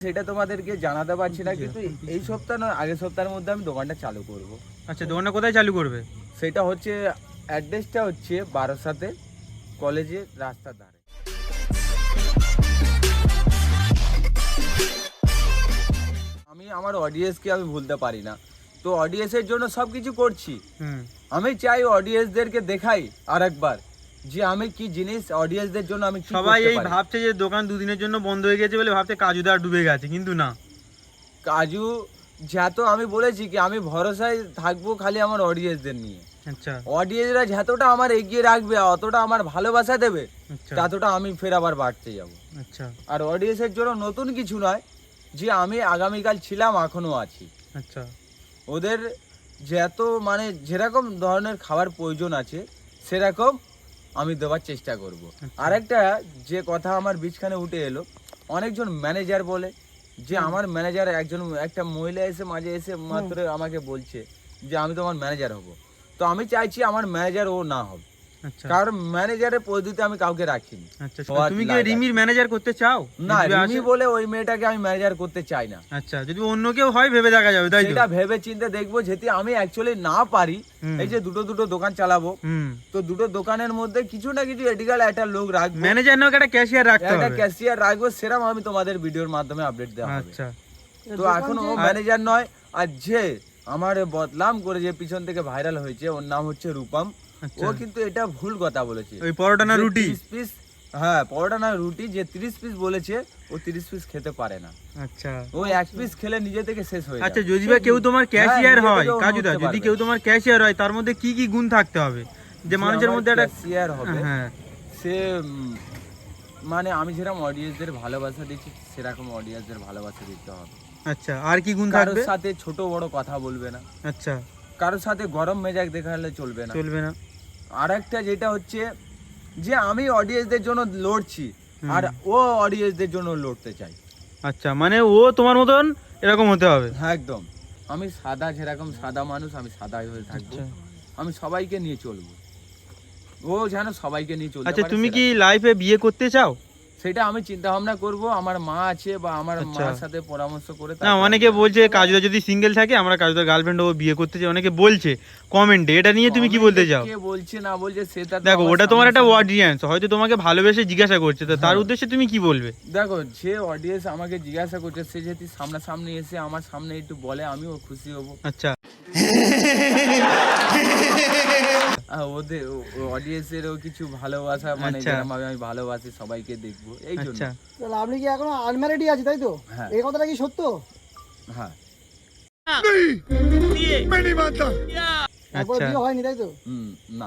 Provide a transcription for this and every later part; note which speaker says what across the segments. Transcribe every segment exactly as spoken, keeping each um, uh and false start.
Speaker 1: সেটা তোমাদেরকে জানাতে পারছি না, কিন্তু এই সপ্তাহ নয় আগের সপ্তাহের মধ্যে আমি দোকানটা চালু করব।
Speaker 2: আচ্ছা, দোকানটা কোথায় চালু করবে?
Speaker 1: সেটা হচ্ছে অ্যাড্রেসটা হচ্ছে বারাসাতে কলেজের রাস্তার ধারে। আমি আমার অডিয়েন্সকে আমি ভুলতে পারি না, তো অডিয়েন্সের জন্য সব কিছু করছি। আমি চাই অডিয়েন্সদেরকে দেখাই আর একবার যে আমি কি জিনিস অডিয়েন্সদের জন্য আমি কি
Speaker 2: সবাই
Speaker 1: করতে
Speaker 2: এই
Speaker 1: পারি।
Speaker 2: ভাবছে যে দোকান দুদিনের জন্য বন্ধ হয়ে গেছে বলে ভাবছে কাজুদা ডুবে গেছে, কিন্তু না।
Speaker 1: কাজু যত আমি বলেছি কি আমি ভরসায় থাকবো খালি আমার অডিয়েন্সদের নিয়ে।
Speaker 2: আচ্ছা,
Speaker 1: অডিয়েন্সরা যতটা আমার এগিয়ে রাখবে, অতটা আমার ভালোবাসা দেবে,
Speaker 2: আচ্ছা,
Speaker 1: ততটা আমি ফের আবার বাড়তে যাব।
Speaker 2: আচ্ছা,
Speaker 1: আর অডিয়েন্সের জন্য নতুন কিছু নয়, যে আমি আগামীকাল ছিলাম এখনো আছি।
Speaker 2: আচ্ছা,
Speaker 1: ওদের যত মানে যেরকম ধরনের খাবার প্রয়োজন আছে সেরকম আমি দেওয়ার চেষ্টা করব। আরেকটা যে কথা আমার বিছখানে উঠে এলো, অনেকজন ম্যানেজার বলে যে আমার ম্যানেজার একজন একটা মহিলা এসে মাঝে এসে মাত্র আমাকে বলছে যে আমি তোমার ম্যানেজার হব। তো আমি চাইছি আমার ম্যানেজার ও না হবে,
Speaker 2: আচ্ছা,
Speaker 1: কারণ ম্যানেজারের পদ্ধতিতে আমি কাউকে রাখিনি।
Speaker 2: আচ্ছা। তুমি কি রিমির ম্যানেজার করতে চাও?
Speaker 1: না,
Speaker 2: যদি
Speaker 1: রিমি
Speaker 2: আসে-
Speaker 1: বলে ওই মেয়েটাকে আমি ম্যানেজার করতে চাই না।
Speaker 2: আচ্ছা, যদি অন্য কেউ হয় ভেবে দেখা যাবে, তাই তো?
Speaker 1: সেটা ভেবে চিন্তে দেখবো, যেতে আমি অ্যাকচুয়ালি না পারি।
Speaker 2: হুম।
Speaker 1: এই যে দুটো দুটো দোকান চালাবো,
Speaker 2: হুম।
Speaker 1: তো দুটো দোকানের মধ্যে কিছু না কিছু এডিকাল একটা লোক রাখবো,
Speaker 2: ম্যানেজার নাও একটা ক্যাশিয়ার রাখতে
Speaker 1: একটা
Speaker 2: হবে।
Speaker 1: ক্যাশিয়ার রাখবো, সেরকম আমি তোমাদের ভিডিওর মাধ্যমে আপডেট দেওয়া হবে।
Speaker 2: আচ্ছা,
Speaker 1: তো এখন ও ম্যানেজার নয়, আর যে আমার বদনাম করে যে পিছন থেকে ভাইরাল হয়েছে ওর নাম হচ্ছে রূপম।
Speaker 2: আচ্ছা।
Speaker 1: ও কিন্তু এটা ভুল কথা বলেছে।
Speaker 2: ওই পরোটা না
Speaker 1: যে
Speaker 2: রুটি?
Speaker 1: ত্রিশ পিস, হ্যাঁ পরোটা না রুটি, যে তিরিশ পিস বলেছে ও তিরিশ পিস খেতে পারে না।
Speaker 2: আচ্ছা,
Speaker 1: ও এক পিস খেলে নিজে থেকে শেষ হয়ে
Speaker 2: আচ্ছা।
Speaker 1: যাবে।
Speaker 2: যদি বা কেউ তোমার ক্যাশিয়ার
Speaker 1: নিজে
Speaker 2: হয়,
Speaker 1: থেকেও
Speaker 2: কাজুদা,
Speaker 1: উঠতে
Speaker 2: যদি
Speaker 1: পারবে।
Speaker 2: কেউ তোমার ক্যাশিয়ার হয় তার মধ্যে কি কি গুণ থাকতে হবে যে মানুষের মধ্যে একটা
Speaker 1: শেয়ার হবে?
Speaker 2: হ্যাঁ,
Speaker 1: সে উম, মানে আমি যেরকম অডিয়েন্সদের ভালোবাসা দিচ্ছি সেরকম অডিয়েন্সদের ভালোবাসা দিতে হবে।
Speaker 2: আচ্ছা। আর কি গুণ
Speaker 1: কারোর
Speaker 2: থাকবে?
Speaker 1: সাথে ছোট বড় কথা বলবে না,
Speaker 2: আচ্ছা,
Speaker 1: কারোর সাথে গরম মেজাজ দেখালে চলবে না।
Speaker 2: চলবে না।
Speaker 1: আর একটা যেটা হচ্ছে যে আমি অডিয়েন্সদের জন্য লড়ছি আর ও অডিয়েন্সদের জন্য লড়তে চাই।
Speaker 2: আচ্ছা, মানে ও তোমার মতন এরকম হতে হবে।
Speaker 1: হ্যাঁ একদম। আমি সাদা, যেরকম সাদা মানুষ আমি সাদা হয়ে থাকবো।
Speaker 2: আচ্ছা।
Speaker 1: আমি সবাইকে নিয়ে চলবো, ও যেন সবাইকে নিয়ে চলতে
Speaker 2: আচ্ছা,
Speaker 1: পারে
Speaker 2: তুমি কি
Speaker 1: সেরকম।
Speaker 2: লাইফে বিয়ে করতে চাও?
Speaker 1: সেটা আমি চিন্তা ভাবনা করব, আমার মা আছে বা আমার
Speaker 2: আচ্ছা।
Speaker 1: মার সাথে পরামর্শ করে।
Speaker 2: না, অনেকে বলছে কাজুদা যদি সিঙ্গেল থাকে আমরা কাজুদার গার্লফ্রেন্ড ও বিয়ে করতে চাই, অনেকে বলছে কমেন্টে। এটা নিয়ে তুমি কি বলতে চাও?
Speaker 1: কে বলছে না বলছে সেটা তো
Speaker 2: দেখো,
Speaker 1: আমার
Speaker 2: ওটা তোমার
Speaker 1: সামনে
Speaker 2: একটা
Speaker 1: সামনে-
Speaker 2: অডিয়েন্স, হয়তো তোমাকে ভালোবেসে জিজ্ঞাসা করছে, তো তার
Speaker 1: হ্যাঁ।
Speaker 2: উদ্দেশ্যে তুমি কি বলবে?
Speaker 1: দেখো, যে অডিয়েন্স আমাকে জিজ্ঞাসা করছে সে যদি সামনাসামনি এসে আমার সামনে একটু বলে আমিও খুশি হব।
Speaker 2: আচ্ছা,
Speaker 1: আর ওদের অডিয়েন্সেরও কিছু ভালোবাসা, মানে
Speaker 2: আচ্ছা।
Speaker 1: যেরকম ভাবে আমি ভালোবাসি সবাইকে দেখবো, এই জন্য।
Speaker 2: আচ্ছা,
Speaker 3: তাহলে আপনি কি এখনো আনম্যারিডই আছে, তাই তো?
Speaker 1: হ্যাঁ।
Speaker 3: এই কথাটা কি সত্য?
Speaker 1: হ্যাঁ।
Speaker 3: একবার
Speaker 2: আচ্ছা।
Speaker 3: বিয়ে হয়নি, তাই তো?
Speaker 1: হুম, না।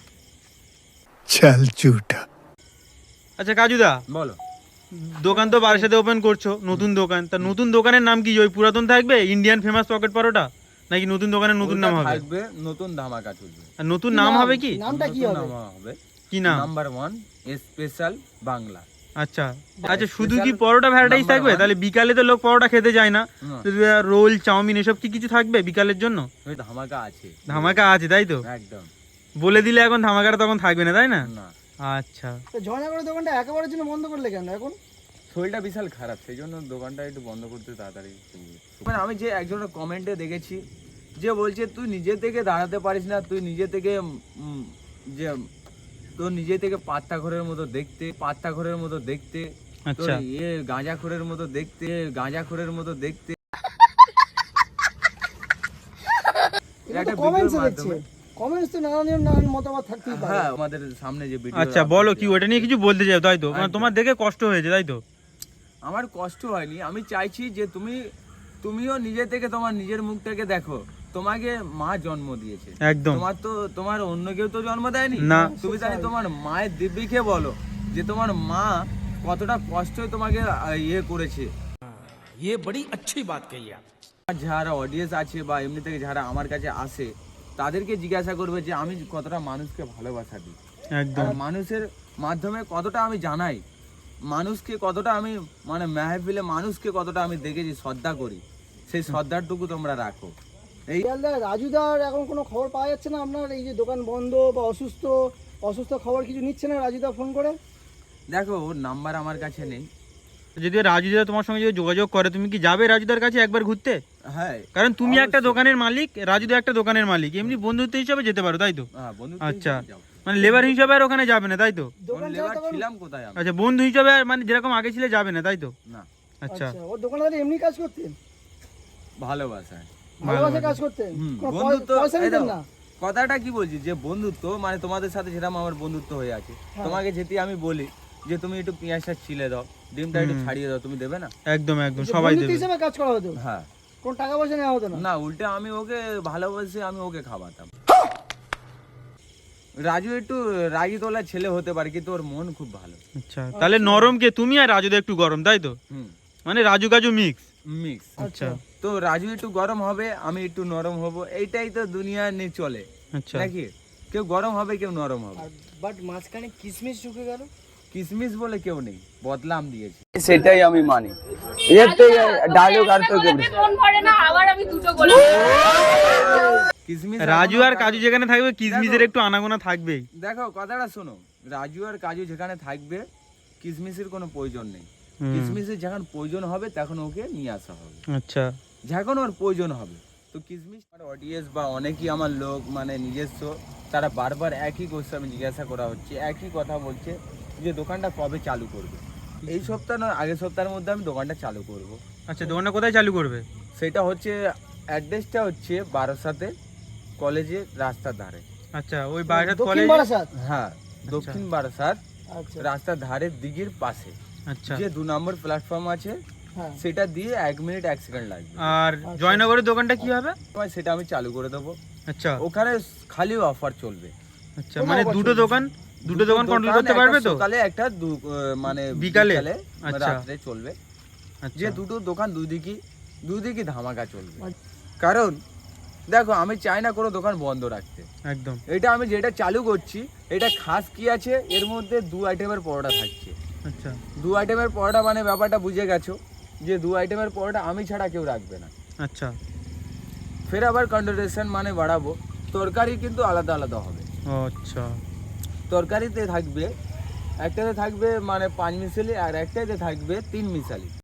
Speaker 4: चल झूठा।
Speaker 2: আচ্ছা কাজুদা,
Speaker 1: বলো।
Speaker 2: দোকান তো বারাসাতে ওপেন করছো, নতুন দোকান, তা নতুন দোকানের নাম কি? ওই পুরাতন থাকবে ইন্ডিয়ান ফেমাস পকেট পরোটা, নাকি নতুন দোকানের নতুন নাম
Speaker 1: ওটা
Speaker 2: হবে?
Speaker 1: থাকবে, নতুন ধামাকা চলবে।
Speaker 2: আর নতুন
Speaker 3: কি
Speaker 2: নাম
Speaker 3: নাম?
Speaker 2: হবে কি?
Speaker 3: নামটা কি
Speaker 1: নতুন
Speaker 3: হবে?
Speaker 1: নাম হবে
Speaker 2: কি নাম?
Speaker 1: Number one special Bangla.
Speaker 2: আচ্ছা, আচ্ছা। শুধু কি
Speaker 1: Special
Speaker 2: পরোটা ভ্যারাইটিস
Speaker 1: number
Speaker 2: থাকবে?
Speaker 1: one।
Speaker 2: তাহলে বিকালে তো লোক পরোটা খেতে যায় না,
Speaker 1: না,
Speaker 2: যদি রোল চাউমিন এসব কি কিছু থাকবে বিকালের জন্য?
Speaker 1: ওই ধামাকা আছে,
Speaker 2: ধামাকা আছে, তাই তো?
Speaker 1: একদম।
Speaker 2: বলে দিলে এখন ধামাকাটা তখন থাকবে না, তাই না?
Speaker 1: না,
Speaker 2: আচ্ছা,
Speaker 3: তো জয়নগরের দোকানটা একেবারের জন্য বন্ধ করলে কেন এখন?
Speaker 1: শরীরটা বিশাল খারাপ, সেই জন্য দোকানটা একটু বন্ধ করতে তাড়াতাড়ি। মানে আমি যে একজনের কমেন্টে দেখেছি যে বলছে তুই নিজে থেকে দাঁড়াতে পারিস না, তুই নিজে থেকে উম, যে তোর নিজে থেকে পাত্তা ঘরের মতো দেখতে, পাত্তা ঘরের মতো দেখতে, তোর
Speaker 2: আচ্ছা।
Speaker 1: ইয়ে গাঁজা খোরের মতো দেখতে, গাঁজা খোরের মতো দেখতে।
Speaker 3: এটা
Speaker 1: একটা
Speaker 3: তো কমেন্টসে
Speaker 1: ভিডিওর
Speaker 3: দেখছি।
Speaker 1: মাধ্যমে-
Speaker 3: কমেন্টস তো নানান জন নানান মতামত থাকতেই পারে।
Speaker 1: হ্যাঁ, আমাদের সামনে যে ভিডিও।
Speaker 2: আচ্ছা, বলো কি ওটা নিয়ে কিছু বলতে চাও, তাই তো? মানে
Speaker 1: একদম।
Speaker 2: তোমার দেখে কষ্ট হয়েছে, তাই তো?
Speaker 1: আমার কষ্ট হয়নি, আমি চাইছি যে তুমি তুমিও নিজে থেকে তোমার নিজের মুখ থেকে দেখো, তোমাকে মা জন্ম দিয়েছে,
Speaker 2: একদম।
Speaker 1: তোমার তো তোমার অন্য কেউ তো জন্ম দেয়নি
Speaker 2: না।
Speaker 1: তুমি তাহলে তোমার মায়ের দিব্যিকে বলো যে তোমার মা কতটা কষ্ট তোমাকে আহ, ইয়ে করেছে।
Speaker 5: ये बड़ी अच्छी बात कही आप।
Speaker 1: আর যারা অডিয়েন্স আছে বা এমনি থেকে যারা আমার কাছে আসে তাদেরকে জিজ্ঞাসা করবে যে আমি কতটা মানুষকে ভালোবাসা দিই,
Speaker 2: একদম।
Speaker 1: আর মানুষের মাধ্যমে কতটা আমি জানাই, মানুষকে কতটা আমি মানে মেহফিলে মানুষকে কতটা আমি দেখেছি শ্রদ্ধা করি, সেই শ্রদ্ধাটুকু তোমরা রাখো। এই
Speaker 3: শিয়ালদা, রাজুদার এখন কোনো খবর পাওয়া যাচ্ছে না? আপনার এই যে দোকান বন্ধ বা অসুস্থ অসুস্থ খবর কিছু নিচ্ছে না রাজুদা ফোন করে?
Speaker 1: দেখো, ওর নাম্বার আমার কাছে নেই,
Speaker 2: যদি রাজুদা তোমার সঙ্গে যদি যোগাযোগ করে তুমি কি যাবে রাজুদার কাছে একবার ঘুরতে?
Speaker 1: হ্যাঁ
Speaker 2: কারণ তুমি একটা
Speaker 1: অবশ্যই।
Speaker 2: দোকানের মালিক, রাজুদা একটা দোকানের মালিক, এমনি বন্ধুত্ব হিসাবে যেতে পারো তাই তো?
Speaker 1: হ্যাঁ বন্ধু
Speaker 2: আচ্ছা, মানে লেবার হিসাবে আর ওখানে যাবে না তাই তো?
Speaker 3: দোকান ছাড়া
Speaker 1: লেবার
Speaker 3: তখন
Speaker 1: ছিলাম কোথায় আমি?
Speaker 2: আচ্ছা, বন্ধু হিসাবে আর মানে যেরকম আগে ছিলে যাবে না তাই তো?
Speaker 1: না,
Speaker 2: আচ্ছা,
Speaker 3: আচ্ছা ওর দোকানে তাহলে এমনি কাজ করতেন,
Speaker 1: ভালোবাসায়।
Speaker 3: ভালোবাসে কাজ করতেন,
Speaker 1: হুম,
Speaker 3: কোনো
Speaker 1: বন্ধুত্ব
Speaker 3: পয়- পয়সা
Speaker 1: এই
Speaker 3: নিতেন
Speaker 1: দেখো,
Speaker 3: না?
Speaker 1: কথাটা কি বলছি যে বন্ধুত্ব মানে তোমাদের সাথে যেরকম আমার বন্ধুত্ব হয়ে আছে,
Speaker 3: হ্যাঁ।
Speaker 1: তোমাকে যেতে আমি বলি যে তুমি একটু পেঁয়াজটা ছিলে দাও, ডিমটা একটু
Speaker 2: হুম।
Speaker 1: ছাড়িয়ে দাও, তুমি দেবে না?
Speaker 2: একদম একদম
Speaker 3: যে
Speaker 2: সবাই
Speaker 3: বন্ধুত্ব
Speaker 2: দেবে।
Speaker 3: হিসেবে কাজ করা হতো,
Speaker 1: হ্যাঁ।
Speaker 3: কোনো টাকা পয়সা নেওয়া হতো না?
Speaker 1: না, উল্টে আমি ওকে ভালোবাসে আমি ওকে খাওয়াতাম। রাজু একটু রাগি তোলা ছেলে হতে পারে কিন্তু ওর মন খুব ভালো।
Speaker 2: আচ্ছা, তাহলে নরম কে তুমি আর রাজুদা একটু গরম তাই তো?
Speaker 1: হুম,
Speaker 2: মানে রাজু কাজু মিক্স।
Speaker 1: মিক্স।
Speaker 2: আচ্ছা
Speaker 1: তো রাজু একটু গরম হবে, আমি একটু নরম হব, এইটাই তো দুনিয়া নিয়ে চলে
Speaker 2: আচ্ছা,
Speaker 1: নাকি? কেউ গরম হবে, কেউ নরম হবে।
Speaker 3: বাট মাঝখানে কিসমিস ঢুকে গেল।
Speaker 1: কিসমিস বলে কেউ নেই, বদলাম দিয়েছে, সেটাই আমি মানি। এর থেকে ডায়লগ আর তো কেউ নেই।
Speaker 6: ফোন করে না, আবার আমি দুটো বলে
Speaker 1: কিসমিস
Speaker 2: রাজু আর
Speaker 1: এখনো
Speaker 2: কাজু যেখানে থাকবে কিসমিসের একটু আনাগোনা থাকবেই।
Speaker 1: দেখো কথাটা শোনো, রাজু আর কাজু যেখানে থাকবে কিসমিসের কোনো প্রয়োজন নেই।
Speaker 2: হুম,
Speaker 1: কিসমিসের যখন প্রয়োজন হবে তখন ওকে নিয়ে আসা হবে,
Speaker 2: আচ্ছা
Speaker 1: যখন ওর প্রয়োজন হবে। তো কিসমিস অডিয়েন্স বা অনেকেই আমার লোক মানে নিজস্ব, তারা বারবার একই কোশ্চেন জিজ্ঞাসা করা হচ্ছে, একই কথা বলছে যে দোকানটা কবে চালু করবে। এই সপ্তাহ নয়, আগের সপ্তাহের মধ্যে আমি দোকানটা চালু করব।
Speaker 2: আচ্ছা, দোকানটা কোথায় চালু করবে?
Speaker 1: সেটা হচ্ছে অ্যাড্রেসটা হচ্ছে বারাসাতে কলেজের রাস্তার ধারে।
Speaker 2: আচ্ছা, ওই বারাসাত
Speaker 3: দক্ষিণ
Speaker 2: কলেজ।
Speaker 3: বারাসাত।
Speaker 1: হ্যাঁ, দক্ষিণ বারাসাত
Speaker 3: আচ্ছা
Speaker 1: রাস্তার ধারের দিকের পাশে
Speaker 2: আচ্ছা,
Speaker 1: যে দু নম্বর প্ল্যাটফর্ম আছে,
Speaker 3: হ্যাঁ
Speaker 1: সেটা দিয়ে এক মিনিট এক সেকেন্ড লাগবে।
Speaker 2: আর জয়নগরের দোকানটা কি হবে?
Speaker 1: সময় সেটা আমি চালু করে দেবো।
Speaker 2: আচ্ছা
Speaker 1: ওখানে খালি অফার চলবে।
Speaker 2: আচ্ছা, মানে দুটো দোকান দুটো দোকান কন্ট্রোল করতে
Speaker 1: একটা
Speaker 2: পারবে তো?
Speaker 1: সকালে একটা দু- আহ, মানে
Speaker 2: বিকালে?
Speaker 1: বিকালে
Speaker 2: আচ্ছা।
Speaker 1: রাত্রে চলবে।
Speaker 2: আচ্ছা,
Speaker 1: যে দুটো দোকান দুদিকে দুদিকে ধামাকা চলবে। কারণ দেখো আমি চাই না কোনো দোকান বন্ধ রাখতে।
Speaker 2: একদম
Speaker 1: এটা আমি যেটা চালু করছি এটা খাস কি আছে, এর মধ্যে দু আইটেমের পরোটা থাকছে।
Speaker 2: আচ্ছা,
Speaker 1: দু আইটেমের পরোটা মানে ব্যাপারটা বুঝে গেছো যে দু আইটেমের পরোটা আমি ছাড়া কেউ রাখবে না।
Speaker 2: আচ্ছা,
Speaker 1: ফের আবার কন্ডোরেশন মানে বাড়াবো, তরকারি কিন্তু আলাদা আলাদা হবে।
Speaker 2: আচ্ছা,
Speaker 1: তরকারিতে থাকবে একটাতে থাকবে মানে পাঁচ মিশালি আর একটাতে থাকবে তিন মিশালি।